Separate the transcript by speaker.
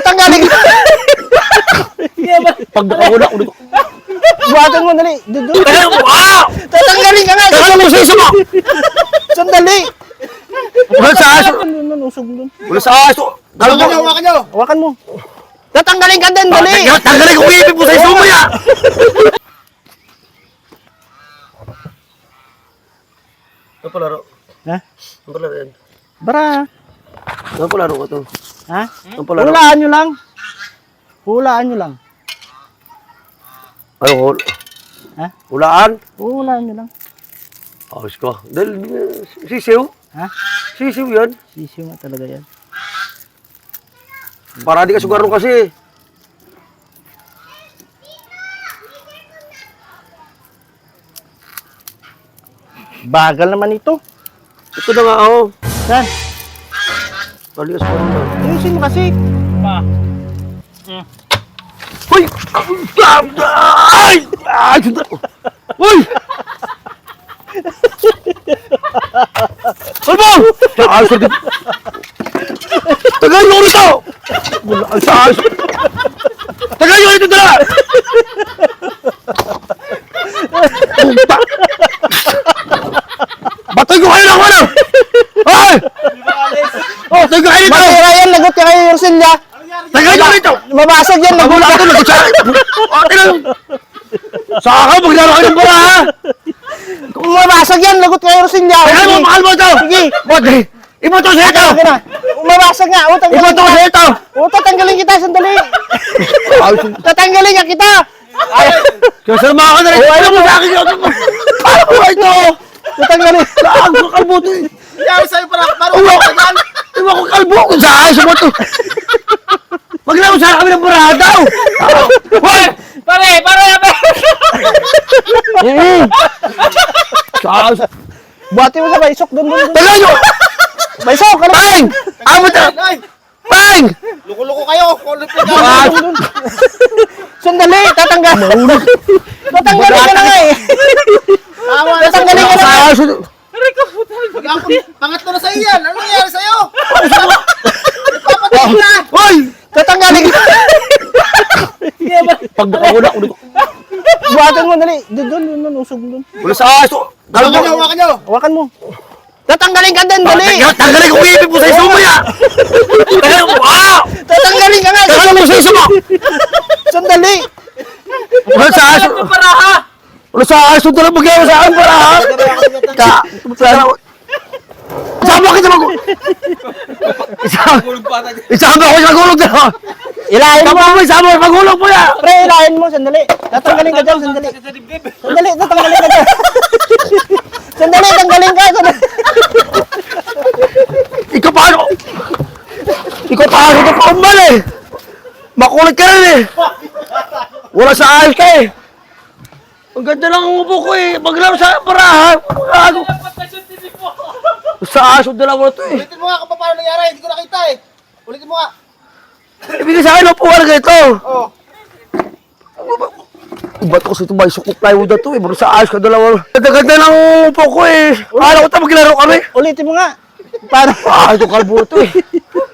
Speaker 1: Tatanggalin ka.
Speaker 2: Pagkakuna ko dito.
Speaker 1: Buhatan mo, dali.
Speaker 2: Wow!
Speaker 1: Tatanggalin ka nga.
Speaker 2: Ano mo sa isa mo?
Speaker 1: Sandali.
Speaker 2: Wala sa aso.
Speaker 1: Usog doon.
Speaker 2: Wala sa aso.
Speaker 3: Hawakan nyo!
Speaker 1: Hawakan mo. Tatanggalin ka din, dali.
Speaker 2: Tanggalin ko ipin mo sa iso mo ya! Ano palaro?
Speaker 1: Ha?
Speaker 2: Ano palaro yan?
Speaker 1: Bara.
Speaker 2: Ano palaro ko to?
Speaker 1: Ha?
Speaker 2: Ano palaro?
Speaker 1: Hulaan nyo lang. Hulaan nyo lang.
Speaker 2: Ano hul?
Speaker 1: Ha?
Speaker 2: Hulaan?
Speaker 1: Hulaan nyo lang.
Speaker 2: Ayos ko. Dahil sisiw?
Speaker 1: Ha?
Speaker 2: Sisiw yan.
Speaker 1: Sisiw nga talaga yan.
Speaker 2: Para di ka sugarong kasi.
Speaker 1: Bagal naman ito.
Speaker 2: Ito na nga ako.
Speaker 1: Saan?
Speaker 2: Para di ka sugarong na.
Speaker 1: Ayusin mo kasi.
Speaker 2: Uy! Ay! Ay! Suda! Uy! Ano? Ay! Suda! Tagay mo ulit ako! Ay! Ay! Tagay mo ulit ito na! Batoy ko kayo ng ano! Ay! Oh! Tagay ko kayo dito!
Speaker 1: Matira yan, lagot ka kayo, Yorcelia.
Speaker 2: Tagay mo ulit ito!
Speaker 1: Mabasag yan, lagot
Speaker 2: Wala
Speaker 1: ka.
Speaker 2: ito! Ate lang! Saka maglaro kayo ng bola ha!
Speaker 1: Kung mabasag yan, lagot ka, Yorcelia.
Speaker 2: Tagay mo! Mahal mo ito!
Speaker 1: Sige.
Speaker 2: Bote! Iboto sa ito!
Speaker 1: Sige na. Mabasag nga. O, tanggalin
Speaker 2: Iboto sa ito!
Speaker 1: tatanggalin kita, sandali. Tatanggalin nga kita.
Speaker 2: Kasama ka na rin! Ano mo sa akin yun? Paano mo ito?
Speaker 1: Tatanggalin.
Speaker 2: Saan ko kalbo ito eh?
Speaker 3: Yan sa'yo para
Speaker 2: Uwa ko! Iwa ko kalbo ko sa ayos mo ito! Maglaro sana kami ng buradaw! Hoy!
Speaker 3: Pare!
Speaker 2: Sa ayos!
Speaker 1: Buhati mo sa baysok. Doon.
Speaker 2: Tagal nyo!
Speaker 1: Baysok, ka lang.
Speaker 2: Pang! Amo ito!
Speaker 3: Ay!
Speaker 2: Pang!
Speaker 3: Luko-luko kayo! Kulit ka
Speaker 2: Ah,
Speaker 1: Sandali, tatanggalin. Tatanggalin ka na nga eh.
Speaker 3: Tawa na
Speaker 1: Tatanggalin ka na
Speaker 2: Sa
Speaker 1: nga.
Speaker 2: ayos!
Speaker 3: Pangatlo na sa'yo yan! Ano nangyari sa'yo? Nagpapatay na!
Speaker 2: Hoy!
Speaker 1: Tatanggalin ka.
Speaker 2: Pag nakahula ko dito.
Speaker 1: Buhatan mo, dali. Doon, usog doon.
Speaker 2: Wala sa ayos!
Speaker 3: Hawakan nyo!
Speaker 1: Hawakan mo. Tatanggalin ka din, dali.
Speaker 2: Tanggalin ko ipin mo sa iso mo ya! Wow!
Speaker 1: Tatanggalin ka nga.
Speaker 2: Tanggalin mo sa iso mo!
Speaker 1: Sandali.
Speaker 2: Wala sa ayos! Wala sa ayos! Ito lang magyawa sa akin para ha! Isama kita mag... Isama ako sa gulog na!
Speaker 1: Ilahin mo.
Speaker 2: Isama mo! Isama mo! Magulog mo ya!
Speaker 1: Pre, ilahin mo, sandali. Tatanggalin ka dyan, sandali. Sandali, tatanggalin ka dyan. Sandali, tanggalin ka. Sandali.
Speaker 2: Ikaw paano? Ikaw paano ito paumbal eh! Makulit ka rin eh! Wala sa ayos ka eh! Ang ganda lang ang upo ko eh! Maglaro sa parahan! Ano? Sa ayos ang dalawa na ito eh!
Speaker 3: Ulitin mo nga kung paano nangyari! Hindi ko nakita eh! Ulitin mo nga!
Speaker 2: Ibigay sa akin upuan na ito!
Speaker 3: Oh!
Speaker 2: Ba't ko sa ito ba? Sukok plywood na ito eh! Bago sa ayos ka dalawa! Ganda lang ang upo ko eh! Akala ko ito maglaro kami!
Speaker 1: Ulitin mo nga. Paano?
Speaker 2: Ah, ito kalbo ito eh!